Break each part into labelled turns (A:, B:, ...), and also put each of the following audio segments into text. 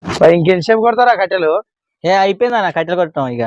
A: ఇంకెంతసేపు కొడతారా కట్టెలు?
B: అయిపోయిందన్న కట్టెలు కొట్టడం ఇక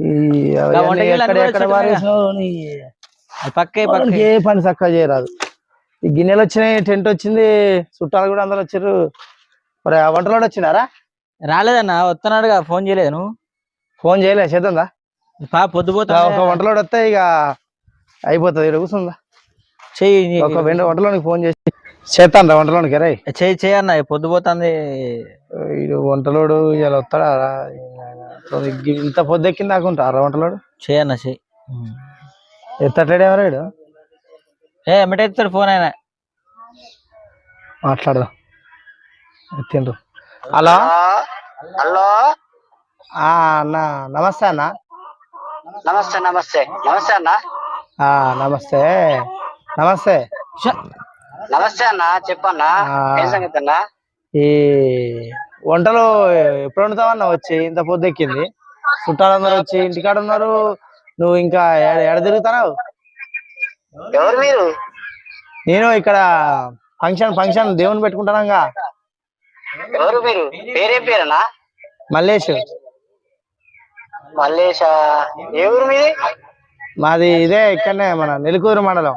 B: పక్కే
A: ఏ పని చక్కగా చేయరాదు. ఈ గిన్నెలు వచ్చినాయి, టెంట్ వచ్చింది, చుట్టాలు కూడా అందరు వచ్చారు. మరి ఆ వంటలోడు వచ్చినారా?
B: రాలేదన్న, వస్తున్నాడుగా. ఫోన్ చేయలేదు నువ్వు?
A: ఫోన్ చేయలే, చేద్దా
B: పొద్దుపోతా.
A: ఒక వంటలోడు వస్తే ఇక అయిపోతుంది. ఇక్కడ కూర్చుందా
B: చెయ్యి,
A: ఒక వంటలోనికి ఫోన్ చేసి చేస్తాను. వంటలోనికి రై
B: చేయన్న, పొద్దుపోతుంది.
A: వంటలోడు ఇలా వస్తాడా? ఇంత పొద్దెక్కింది దాకుంటా వంటలోడు.
B: చేయన్న, చెయ్యి.
A: ఎత్తట్లేడు ఎవరాడు?
B: ఎమ్మటే ఎత్తాడు ఫోన్. ఆయన
A: మాట్లాడదాం. ఎత్తిండ్రు. హలో
C: హలో
A: అన్న, నమస్తే అన్న.
C: నమస్తే నమస్తే నమస్తే అన్న.
A: నమస్తే నమస్తే
C: నమస్తే అన్న, చెప్పన్నా. ఏం సంగతి అన్న?
A: ఈ వంటలు ఎప్పుడు వండుతావన్నా? వచ్చి ఇంత పొద్దెక్కింది, చుట్టాలందరూ వచ్చి ఇంటికాడ ఉన్నారు. నువ్వు ఇంకా ఎడ తిరుగుతున్నావు?
C: ఎవరు మీరు?
A: నేను ఇక్కడ ఫంక్షన్ దేవుని పెట్టుకుంటానంగా.
C: ఎవరు మీరు? పేరేం పేరన్నా?
A: మల్లేష్.
C: మల్లేష? ఏ ఊరు మీది?
A: మాది ఇదే, ఇక్కడనే మన నెలకూరు మండలం.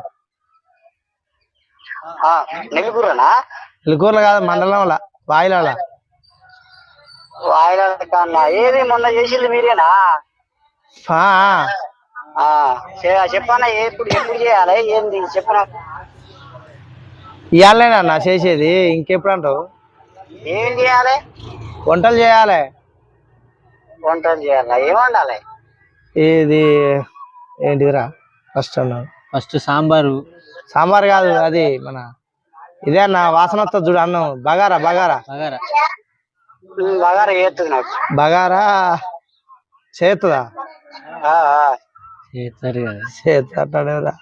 C: నెల్లూరునా?
A: నెలకూరులో కాదు, మండలంలో, వాయిలాల.
C: వాయిలా? ఏది మొన్న చేసింది మీరేనా? చెప్పన్నా. ఎప్పుడు చేయాలి, ఏంది చెప్పనా?
A: ఇవాళనేనా చేసేది? ఇంకెప్పుడు అంటావు?
C: ఏం చేయాలి?
A: వంటలు చేయాలి.
C: వంటలు చేయాలా? ఏం వండాలి?
A: ఇది ఏంటిదిరా?
B: ఫస్ట్ సాంబారు.
A: సాంబార్ కాదు, అది మన ఇదే అన్న, వాసన వస్తుంది చూడు అన్నం. బగారా బగారా
C: బగారా బగారా చేస్తుంది నాకు.
A: బగారా చేస్తుందా? చేస్తాడేరా.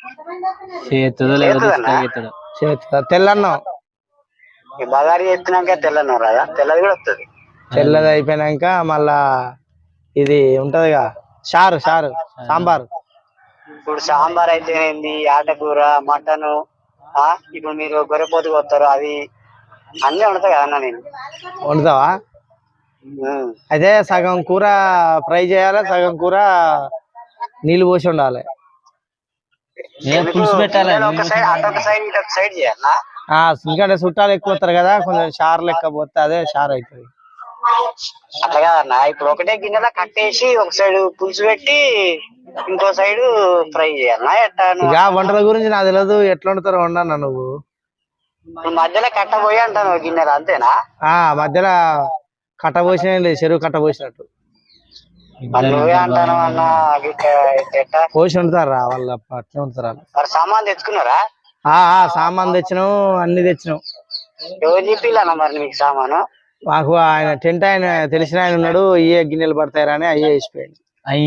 A: చేస్తుందా? తెల్లన్నం.
C: బగారా చేస్తున్నాక తెల్లన్నం రాదా? తెల్లది కూడా వస్తుంది.
A: తెల్లది అయిపోయినాక మళ్ళా ఇది ఉంటదిగా, చారు సాంబారు.
C: ఇప్పుడు సాంబార్ అయితేనేంది, ఆటకూర, మటన్. ఇప్పుడు మీరు గొర్రెపోతుకు వస్తారు, అది అన్నీ వండుతా కదన్నా నేను.
A: వండుతావా? అయితే సగం కూర ఫ్రై చేయాలి, సగం కూర నీళ్ళు పోసి ఉండాలి.
B: పులుసు పెట్టాలి.
C: అటొక సైడ్ ఇటొక సైడ్ చేయాలా?
A: ఎందుకంటే చుట్టాలు ఎక్కువ వస్తారు కదా, కొంచెం చారు లెక్క పోతే అదే చారు అవుతుంది.
C: అట్లా కాదన్నా, ఇప్పుడు ఒకటే గిన్నెలా కట్టేసి ఒక సైడ్ పులుసు పెట్టి ఇంకో సైడ్ ఫ్రై చేయాలన్నా ఎట్టా?
A: ఇక వంటల గురించి నాకు తెలియదు, ఎట్లా వండుతారో వండన్నా నువ్వు.
C: మధ్యలో కట్టబోయి అంటాను గిన్నెలు, అంతేనా?
A: మధ్యలో కట్టబోసిన లేదు, చెరువు కట్టబోసినట్టు
C: అంటాను అన్న.
A: పోసి వండుతారా వాళ్ళు? అట్లా వండుతారా?
C: సామాన్ తెచ్చుకున్నారా?
A: సామాన్ తెచ్చినాం, అన్ని తెచ్చినాం.
C: ఎవరు చెప్పిల్లన్నా మరి మీకు సామాను?
A: మాకు ఆయన టెంట్ ఆయన తెలిసిన ఆయన ఉన్నాడు, ఇయే గిన్నెలు పడతాయరా అని అయ్యే వేసిపోయాడు.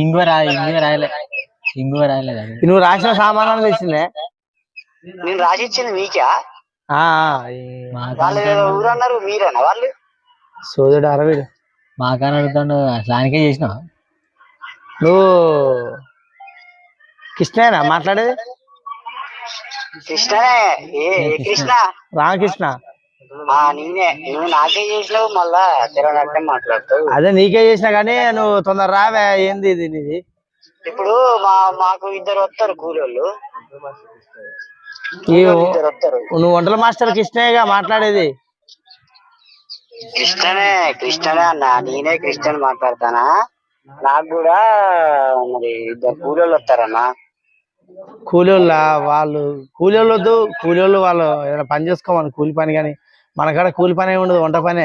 A: నువ్వు రాసిన సామాన్ తెచ్చిందే.
C: నేను రాసి ఇచ్చింది మీకా? వాళ్ళు ఊరు అన్నారు, మీరేనా వాళ్ళు?
A: సోదరుడు అరవీడు.
B: మాకని అడుగుతాడు, అసలానికే చేసినా.
A: నువ్వు కృష్ణేనా మాట్లాడేది?
C: కృష్ణనే. కృష్ణ?
A: రామకృష్ణ.
C: నేనే. నువ్వు నాకే చేసినావు, మళ్ళా తెరనట్టే మాట్లాడుతావు.
A: అదే నీకే చేసినా కానీ నువ్వు తొందర రావే. ఏంది ఇది నీది?
C: ఇప్పుడు మాకు ఇద్దరు వస్తారు కూలోళ్ళు.
A: నువ్వు వంటల మాస్టర్ కృష్ణేగా మాట్లాడేది?
C: కృష్ణనే అన్న, నేనే కృష్ణని మాట్లాడతానా. నాకు కూడా మరి ఇద్దరు కూలోళ్ళు వస్తారన్నా.
A: కూలోళ్ళ? వాళ్ళు కూలోళ్ళు వద్దు, కూలోళ్ళు వాళ్ళు ఏదైనా పని చేసుకోమని, కూలి పని. కానీ మనకాడ కూలి పని ఉండదు, వంట పనే.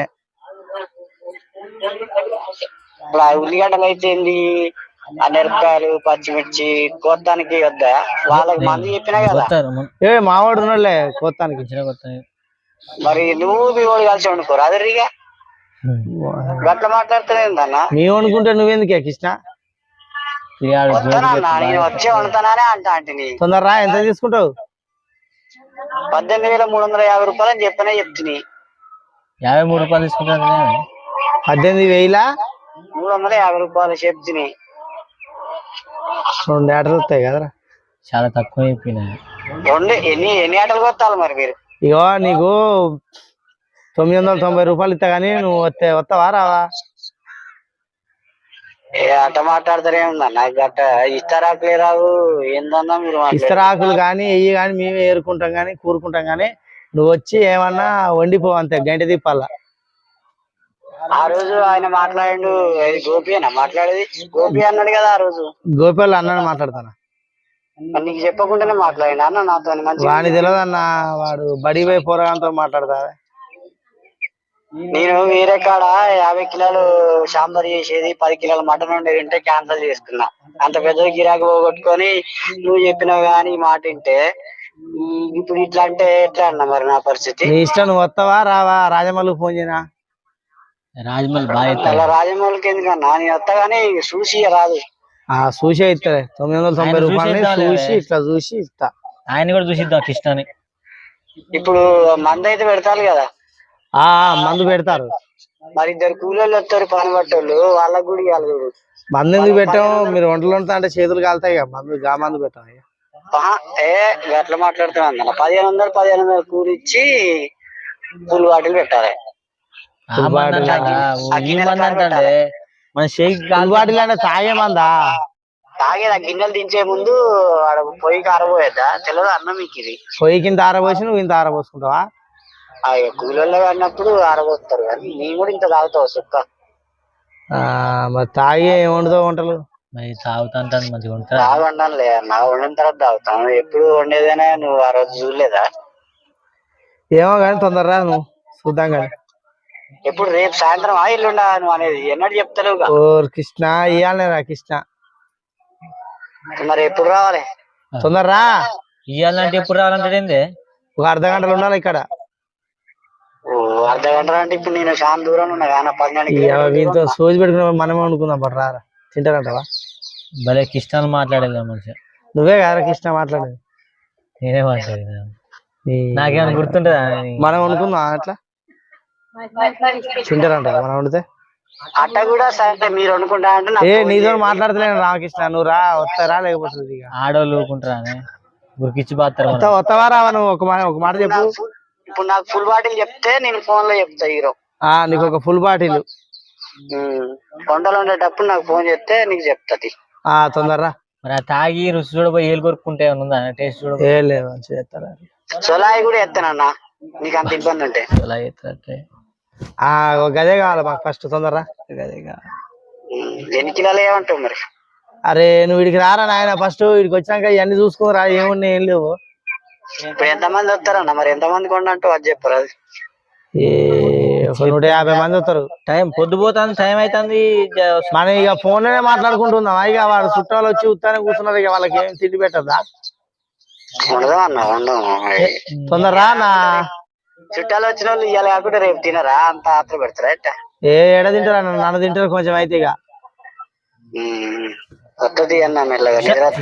C: ఉల్లిగడ్డలు అయితే మిరపకాయలు, పచ్చిమిర్చి కోత్తానికి వద్దా? వాళ్ళకి మంది చెప్పినా కదా.
A: మావాడు ఉన్నాడులే కోత్తానికి.
C: మరి నువ్వు మీ వాడు కలిసి వండుకోరు అదరిగా గట్ల మాట్లాడుతున్నా.
A: మేము వండుకుంటే నువ్వెందుకే కృష్ణ?
C: నేను వచ్చే వండుతానే అంటాంటిని.
A: తొందరరా. ఎంత తీసుకుంటావు?
C: 18,350 రూపాయలు అని చెప్తున్నాయి.
B: 53 రూపాయలు తీసుకుంటాను.
C: 18,350 రూపాయలు చెప్తున్నాయి.
A: 2 ఆటలు వస్తాయి కదరా?
B: చాలా తక్కువ చెప్పిన.
C: ఎన్ని ఆటలు కొత్తాలి మరి మీరు?
A: ఇగో నీకు రూపాయలు ఇస్తా కానీ నువ్వు వస్తావా రావా?
C: అట్ట మాట్లాడతారే ఉందన్న గట్ట ఇస్తారాకులే రావు ఏందన్నా మీరు
A: ఇస్తరాకులు కానీ ఎయ్యి కానీ మేమే ఏరుకుంటాం కానీ కూరుకుంటాం కానీ నువ్వు వచ్చి ఏమన్నా వండిపో అంతే, గంట తిప్పాలా.
C: ఆ రోజు ఆయన మాట్లాడు గోపి అన్న మాట్లాడేది, గోపి అన్నాడు కదా ఆ రోజు.
A: గోపి వాళ్ళు అన్నాడు మాట్లాడతాను.
C: నీకు చెప్పకుండానే మాట్లాడి అన్న నాతో మంచి.
A: వాని తెలియదు అన్న, వాడు బడిపోయి పోరగాంతో మాట్లాడతా.
C: నేను వేరే కాడ 50 కిలోలు సాంబార్ చేసేది 10 కిలోల మటన్ ఉండేది ఉంటే క్యాన్సల్ చేసుకున్నా. అంత పెద్ద గిరాకీ పోగొట్టుకొని నువ్వు చెప్పినావు కానీ ఈ మాట వింటే ఇప్పుడు ఇట్లా అంటే ఎట్లా అన్న మరి నా పరిస్థితి?
A: నీ ఇష్టం, నువ్వు వస్తావా రావా? రాజమౌళికి ఫోన్ చేయనా?
B: రాజమౌళి బాగా
C: అలా రాజమౌళికి ఎందుకన్నా, నేను వస్తా కానీ చూసి రాదు.
A: చూసే ఇస్తారే 990 రూపాయలు చూసి ఇట్లా చూసి ఇస్తా.
B: ఆయన కూడా చూసిద్దాం కృష్ణని.
C: ఇప్పుడు మందు అయితే పెడతారు కదా,
A: మందు పెడతారు.
C: మరి 2 కూలీలు వస్తారు పని పట్టోళ్ళు, వాళ్ళకు కూడా ఇవ్వాలి చూడు.
A: మందు ఎందుకు పెట్టాము? మీరు వంటలు వండుతా అంటే చేతులు కాలుతాయి కదా, మందు పెట్టాం.
C: అట్లా మాట్లాడుతున్నా 1500 కూలి ఇచ్చి ఫుల్ బాటిల్ పెట్టాలి.
A: బాటిల్ అంటే తాగే మందా?
C: తాగేదా? గిన్నెలు దించే ముందు పొయ్యికి ఆరబోయేద్దా తెలియదు అన్న మీకు? ఇది
A: పొయ్యి కింద ఆరబోసి నువ్వు ఇంత ఆరబోసుకుంటావా?
C: కూలీల్లో అన్నప్పుడు ఆరబోస్తారు కానీ నేను కూడా ఇంత తాగుతావు సుక్క.
A: మరి తాగి ఏం వండుతావు వంటలు?
B: తాగుతాంటాను మంచిగా
C: తాగు వండాలి నా వండిన తర్వాత తాగుతాను. ఎప్పుడు వండేదైనా నువ్వు ఆ రోజు చూడలేదా?
A: ఏమో కానీ తొందరరా, నువ్వు చూద్దాం కానీ.
C: ఎప్పుడు రేపు సాయంత్రం ఇల్లుండా నువ్వు అనేది ఎన్నడూ చెప్తలేవుగా.
A: ఓ కృష్ణ ఇయ్యాలరా కృష్ణ,
C: మరి ఎప్పుడు రావాలి?
A: తొందరరా.
B: ఇయ్యాలంటే ఎప్పుడు రావాలంటే
A: ఒక అర్ధ గంటలు ఉండాలి ఇక్కడ.
C: అర్ధ గంట అంటే ఇప్పుడు నేను చాలా దూరం ఉన్నా కానీ 12
A: సోజు పెట్టుకున్న మనమే వండుకుందాం పట్టు రారా. తింటారంటవా?
B: భలే కృష్ణాలు మాట్లాడేది మంచిగా.
A: నువ్వే కదా కృష్ణ మాట్లాడేది?
B: నేనే మాట్లాడేది. నాకేమైనా గుర్తుంటదా? మనం
A: వండుకుందాం అట్లా. తింటారంట మనం వండితే.
C: అట్ట కూడా సరే మీరు అనుకుంటా అంటే
A: నీతో మాట్లాడతలేను రామకృష్ణ, నువ్వు రా. వస్తారా లేకపోతే
B: ఆడోళ్ళు ఊరుకుంటారా? గురికిచ్చి బాస్తారు.
A: వస్తావా రావా? నువ్వు ఒక మాట చెప్పు.
C: ఇప్పుడు నాకు ఫుల్ బాటిల్ చెప్తే నేను ఫోన్ లో చెప్తా హీరో.
A: నీకు ఒక ఫుల్ బాటిల్
C: కొండలు ఉండేటప్పుడు నాకు ఫోన్ చేస్తే నీకు చెప్తా.
A: తొందరరా.
B: మరి తాగి రుచి చూడబోయి ఏలు కొరుక్కుంటే ఉందా టేస్ట్ చూడ?
A: చేస్తారా?
C: సొలాయి కూడా ఎత్తానన్నా నీకు అంత ఇబ్బంది ఉంటే.
B: సొలాయి ఎత్తారంటే
A: గదే కావాలి మాకు ఫస్ట్. తొందరరా. గదే కావాలి.
C: ఎన్ని కిలోలు ఏమంటావు మరి?
A: అరే నువ్వు వీడికి రారా నాయన, ఫస్ట్ వీడికి వచ్చాక ఇవన్నీ చూసుకోరా. ఏమున్నాయి ఏం లేవు.
C: ఇప్పుడు ఎంతమంది వస్తారన్న మరి? ఎంతమంది కొండంటూ అది చెప్పరు. అది
A: 150 మంది వస్తారు.
B: టైం పొద్దుపోతుంది, టైం అవుతుంది.
A: మనం ఇక ఫోన్ లోనే మాట్లాడుకుంటున్నాం. ఇక వాడు చుట్టాలు వచ్చి ఉత్తానే కూర్చున్నారు. ఇక వాళ్ళకి ఏం తిండి పెట్టదా? తొందరరా. నా
C: చుట్టాలు వచ్చిన వాళ్ళు ఇవాళ కాకుండా రేపు తినరా? అంత ఆత్ర పెడతారా?
A: ఎడ తింటారా? నన్ను తింటారు కొంచెం అయితే. ఇక
C: వస్తుంది అన్న మెల్లగా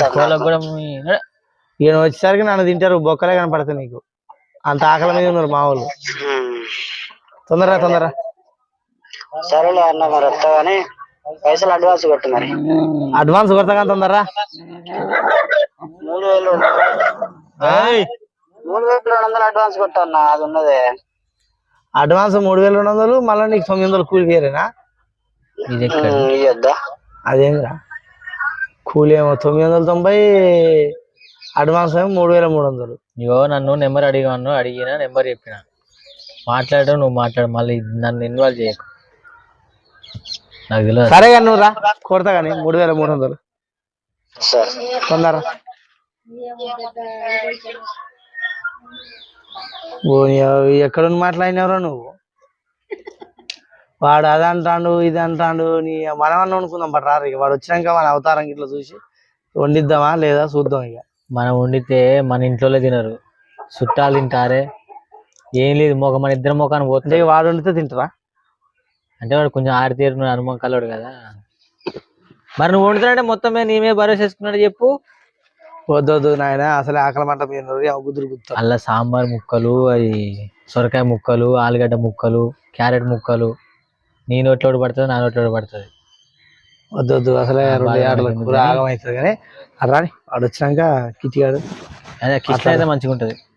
A: ఈయన వచ్చేసరికి నన్ను తింటారు. బొక్కలే కనపడతాయి నీకు. అంత ఆకలి మీద ఉన్నారు మా వాళ్ళు. తొందరరా.
C: సరేలే అన్న మరి వస్తా కానీ పైసలు అడ్వాన్స్ కొట్టు మరి.
A: అడ్వాన్స్ కొడతా కానీ తొందరరా.
C: 3200 అడ్వాన్స్ కొట్టన్నా. అది ఉన్నదే
A: అడ్వాన్స్ 3200. మళ్ళీ నీకు 900 కూలి వేరేనా?
C: ఇద్దా?
A: అదేంద్రా కూలి ఏమో 990, అడ్వాన్స్ ఏమో 3300.
B: ఇగో నన్ను నెంబర్ అడిగిన నెంబర్ చెప్పిన మాట్లాడడం. నువ్వు మాట్లాడు, మళ్ళీ నన్ను ఇన్వాల్వ్ చేయకు. నాకు తెలియదు.
A: సరే కానీ నువ్వు రా, కొడతా కానీ 3300. తొందర. ఎక్కడ మాట్లాడినవరా నువ్వు? వాడు అది అంటాడు ఇది అంటాడు. మనమన్నా అనుకుందాం బట్ రారు. ఇక వాడు వచ్చినాక మన అవతారం ఇట్లా చూసి వండిద్దామా లేదా చూద్దాం. ఇక
B: మనం వండితే మన ఇంట్లో తినరు, చుట్టాలు తింటారే. ఏం లేదు మన ఇద్దరు ముఖాన్ని పోతుంది.
A: వాడు వండితే తింటారా?
B: అంటే వాడు కొంచెం ఆరితేరు అనుభవం కలవాడు కదా. మరి నువ్వు వండుతానంటే మొత్తం నీమే భరోసా చేసుకున్నాడు చెప్పు.
A: వద్దొద్దు నాయన, అసలు ఆకలి మంట గుద్దురు గుర్తు.
B: అలా సాంబార్ ముక్కలు, అది సొరకాయ ముక్కలు, ఆలుగడ్డ ముక్కలు, క్యారెట్ ముక్కలు. నీ నోట్లో పడుతుంది, నా నోట్లో పడుతుంది.
A: వద్దొద్దు అసలే 2 ఆటలకు ఆగమవుతుంది. కానీ రాని వాడు వచ్చినాక కిటికాడు
B: అదే కిట్ అయితే మంచిగా ఉంటుంది.